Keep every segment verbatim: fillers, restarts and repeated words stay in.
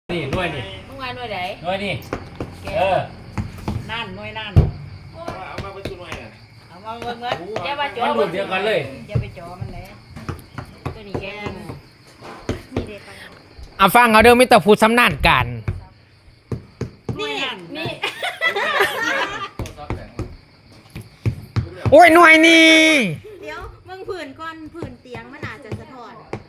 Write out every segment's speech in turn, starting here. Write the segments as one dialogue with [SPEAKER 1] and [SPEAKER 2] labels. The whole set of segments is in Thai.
[SPEAKER 1] นี่หน่วยนี่
[SPEAKER 2] มึงว่าหน่วยไหน
[SPEAKER 1] หน่วยนี่เออ
[SPEAKER 3] นั่นหน่วยนั่น
[SPEAKER 4] เอามาประชุมหน่อยน่ะ
[SPEAKER 3] เอามาเบิ่งเมื่อ
[SPEAKER 2] อย่าว่าจ่อ
[SPEAKER 1] มันรุ่นเดียวกันเลย
[SPEAKER 3] จะไปจ่อมันเลย
[SPEAKER 2] ตัวนี้แกง
[SPEAKER 3] มีเด็กไป
[SPEAKER 5] เอาฟังเขาเดิมมิตรพูดสำนานกัน
[SPEAKER 3] หน่วยนั่น
[SPEAKER 2] นี่
[SPEAKER 5] โอ้ยหน่วยนี่
[SPEAKER 6] เดี๋ยวมึงผื่นก้อนผื่นเตียงมันอาจจะสะท้อน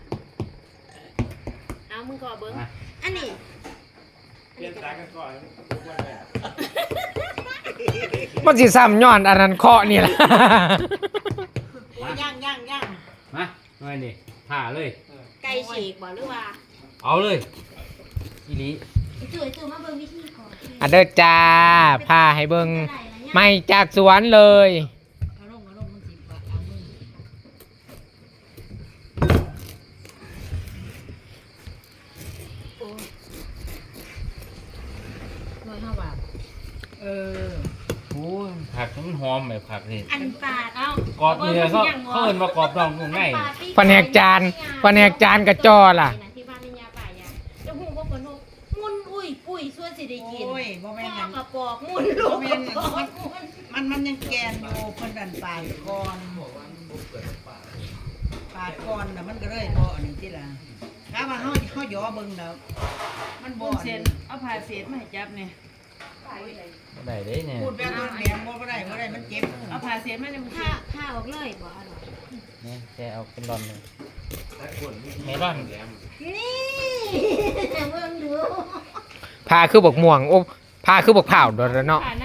[SPEAKER 2] เอามึงขอเบิ้ง
[SPEAKER 6] อันนี้
[SPEAKER 4] เปลี่ยนตากันก่อนทุกวันเลย
[SPEAKER 5] มันสิซ้ำย้อนอันนั้นเคาะนี่แหละ
[SPEAKER 3] โอ้ยย่างย่างย่าง
[SPEAKER 1] มาหน่วยนี่ผ่าเลย
[SPEAKER 6] ไก่ฉีกบ่หรือว่า
[SPEAKER 1] เอาเลยอีหลี
[SPEAKER 6] จุ๋ยจุ๋ยมาเบิ่งวิธีก่อน
[SPEAKER 5] อันเด้อจ้าพาให้เบิ่งไม่จากสวนเลย
[SPEAKER 3] เอาลงเอาลงมันสิบาทเอามึง
[SPEAKER 2] หน่วยเท่าบาท
[SPEAKER 3] เออ
[SPEAKER 1] โอ้ยผักมันหอมแบบผักนี่
[SPEAKER 6] อันปาด
[SPEAKER 2] เอา
[SPEAKER 1] กรอบนี่เขาเขาเอิ้นว่ากรอบนอกนุ่มใน
[SPEAKER 5] แผนกจานแผนกจานกระจอล่ะ
[SPEAKER 6] ที่บ้านนี่ยาป่ายาจะหูว่าคนมุนอุ้ยปุ้ยส่วนสิได้กิน
[SPEAKER 3] โอ้ยบ่แม่น
[SPEAKER 6] พ่
[SPEAKER 3] นั่
[SPEAKER 6] อน กระปอกมุนลู
[SPEAKER 3] บ่
[SPEAKER 6] ก
[SPEAKER 3] แม่นนั่นมันมันยังแกนอยู่เพิ่นดันปาดก่อนปาดก่อนน่ะมันก็เลยบ่อันนี้ติล่ะถ้าว่าเฮาเฮาย่อเบิ่งแล้วมันบ่
[SPEAKER 2] บุ้ง
[SPEAKER 3] อัน
[SPEAKER 2] เส้
[SPEAKER 3] นี้
[SPEAKER 2] นเอาผ่าเศษมาให้จับเนี่ย
[SPEAKER 1] บ่ได้เด้เนี่ย
[SPEAKER 3] พูดแบบนั้นแหลมบ่ได้บ่ได้มันเจ็บ
[SPEAKER 2] เอาผ่าเศษมาเนี่ยมึง
[SPEAKER 6] ผ้าผ้าออกเลยบ่อร่อย
[SPEAKER 1] นี่แค่เอาเป็นรอนเลย
[SPEAKER 4] ถ้าคนมี
[SPEAKER 1] เมลอน
[SPEAKER 4] แหลม
[SPEAKER 6] นี่เบิ่งดู
[SPEAKER 5] พาคือบอกม่วงโอ้พาคือบอกเผาโดนแล้วเนาะ
[SPEAKER 2] ผ่าไหน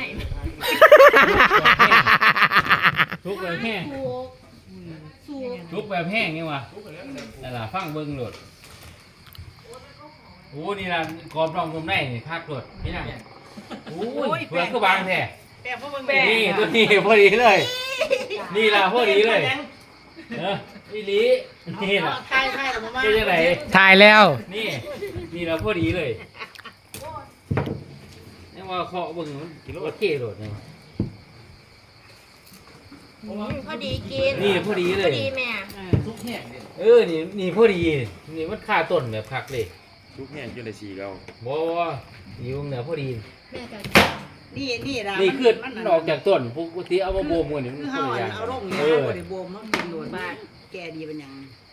[SPEAKER 1] ทุกแบบแห้ง
[SPEAKER 6] ถูกสูก
[SPEAKER 1] ทุกแบบแห้งนี่ว่ะนั่นล่ะฟังเบิ่งโหลดโอ้นี่ล่ะกรอบนอกนุ่มในนี่คักโหลดพี่นั่งโอ้ยเปลือกคือบางแท้
[SPEAKER 3] แต่บ่เบิ่ง
[SPEAKER 1] นี่ตัวนี้พอดีเลย นี่ล่ะพอดีเลยเอออีหลีนี่ล่ะ
[SPEAKER 3] ทายทายแล้วบ่มา
[SPEAKER 1] เป็นจังได
[SPEAKER 5] ถ่ายแล้ว
[SPEAKER 1] นี่นี่ล่ะพอดีเลยนี่ว่าเคาะเบิ่งมันโอเคโดดนี่
[SPEAKER 6] พอดีกิน
[SPEAKER 1] นี่พอดีเล
[SPEAKER 6] พอย ดีแม่
[SPEAKER 1] เออนี่นี่พอดีนี่มันค่าต้นแบบคักเลย
[SPEAKER 4] ทุกแห่งอยู่ในสีเรา
[SPEAKER 1] บ่ว่านี่วงเหนือพอดี
[SPEAKER 6] แม่ก็
[SPEAKER 3] นี่นี่ล่ะ
[SPEAKER 1] นี่คือ
[SPEAKER 3] มัน
[SPEAKER 1] มันออกจากต้นปกติเอามาโบมกันนี่มัน
[SPEAKER 3] คือ
[SPEAKER 1] ค
[SPEAKER 3] เฮาน
[SPEAKER 1] ละอย่าง
[SPEAKER 3] เอาลง
[SPEAKER 1] เอ
[SPEAKER 3] เนี่ย
[SPEAKER 1] อ
[SPEAKER 3] บ่ได้บ่มมันเป็นโดนบาดแก่ดีเป็นหยัง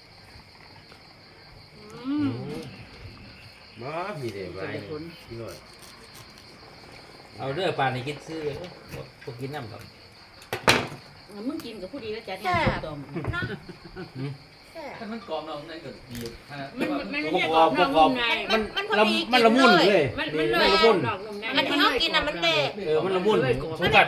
[SPEAKER 2] อืม
[SPEAKER 4] บ้าพี่เด็กไรพี่หน่อย
[SPEAKER 1] เอาเด้อปลาในกินซื้อพวกกินน้ำครับ
[SPEAKER 2] มึงกินกับผู้ดีแล้วจัด
[SPEAKER 6] แซ่
[SPEAKER 2] เนี่ย
[SPEAKER 6] บ
[SPEAKER 2] ต้ม
[SPEAKER 6] เนาะแซ่บ
[SPEAKER 7] ถ้ามันกรอบเรานั่นก็ดี
[SPEAKER 2] มันมันมันไม่ใช่กรอบนอกนุ่มใน
[SPEAKER 1] มัน
[SPEAKER 6] มันพอ
[SPEAKER 1] ละ
[SPEAKER 6] ดี
[SPEAKER 1] มันละมุนเลย
[SPEAKER 2] มัน
[SPEAKER 1] นี่
[SPEAKER 2] มันเลย
[SPEAKER 1] มันละมุน
[SPEAKER 2] ดอกนุ่มใน
[SPEAKER 6] อันที่เขากินน่ะมันเละ
[SPEAKER 1] เออมันละมุนสมบัติ